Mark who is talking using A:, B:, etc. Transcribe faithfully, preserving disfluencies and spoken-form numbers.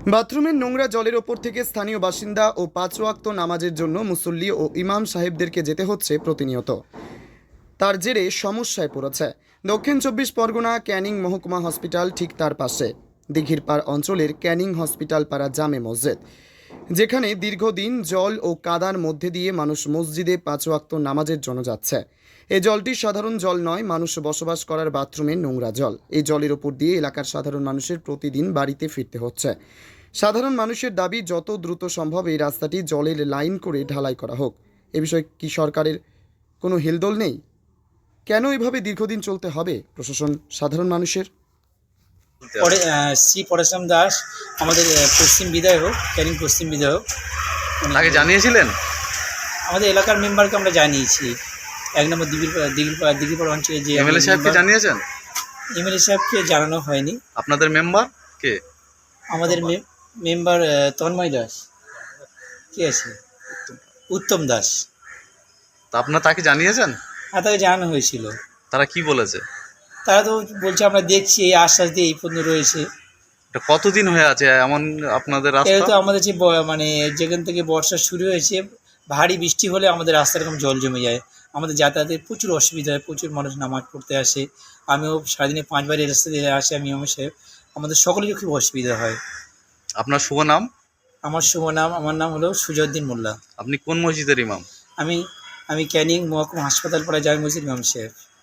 A: বাথরুমের নোংরা জলের ওপর থেকে স্থানীয় বাসিন্দা ও পাঁচ ওয়াক্ত নামাজের জন্য মুসল্লি ও ইমাম সাহেবদেরকে যেতে হচ্ছে প্রতিনিয়ত। তার জেরে সমস্যায় পড়েছে দক্ষিণ চব্বিশ পরগনা ক্যানিং মহকুমা হসপিটাল, ঠিক তার পাশে দিঘির পাড় অঞ্চলের ক্যানিং হসপিটাল পাড়া জামে মসজিদ, যেখানে দীর্ঘদিন জল ও কাদার মধ্যে দিয়ে মানুষ মসজিদে পাঁচ ওয়াক্ত নামাজের জন্য যাচ্ছে। এই জলটি সাধারণ জল নয়, মানুষ বসবাস করার বাথরুমের নোংরা জল। এই জলের ওপর দিয়ে এলাকার সাধারণ মানুষের প্রতিদিন বাড়িতে ফিরতে হচ্ছে। সাধারণ মানুষের দাবি, যত দ্রুত সম্ভব এই রাস্তাটি জলের লাইন করে ঢালাই করা হোক। এ বিষয়ে কি সরকারের কোনো হেলদোল নেই? কেন এভাবে দীর্ঘদিন চলতে হবে প্রশাসন সাধারণ মানুষের?
B: পরে শ্রী পরেশরাম দাস আমাদের পশ্চিম বিধায়ক, ক্যানিং পশ্চিম বিধায়ক,
C: তাকে জানিয়েছিলেন?
B: আমাদের এলাকার মেম্বারকে আমরা জানিয়েছি। এক নম্বর দিঘির দিঘির দিঘিরপাড় অঞ্চলে যে
C: এমএলএ সাহেবকে জানিয়েছেন?
B: এমএলএ সাহেবকে জানানো হয়নি।
C: আপনাদের মেম্বার কে?
B: আমাদের মেম্বার তন্ময় দাস, কে আছে, উত্তম দাস।
C: তা আপনার তাকে জানিয়েছেন?
B: হ্যাঁ, তাকে জানানো হয়েছিল।
C: তারা কি বলেছে?
B: তারা তো বলছে আমরা দেখছি, এই আশ্বাস দিয়ে এই পর্যন্ত রয়েছে।
C: এটা কতদিন হয়ে আছে এমন আপনাদের
B: এটা তো
C: রাস্তা?
B: আমাদের যে ব- মানে যেখান থেকে বর্ষা শুরু হয়েছে, ভারী বৃষ্টি হলে আমাদের রাস্তায় এরকম জল জমে যায়। আমাদের যাতায়াতের প্রচুর অসুবিধা হয়, প্রচুর মানুষ নামাজ পড়তে আসে। আমিও সারাদিনে পাঁচবার এই রাস্তা দিয়ে আসি, আমি আমার সাহেব, আমাদের সকলেরই খুব অসুবিধা হয়।
C: আপনার শুভ নাম?
B: আমার শুভ নাম, আমার নাম হলো সুজউদ্দিন মোল্লা।
C: আপনি কোন মসজিদের ইমাম?
B: আমি আমি ক্যানিং মহকুমা হাসপাতাল পাড়া জামে মসজিদ ইমাম সাহেব।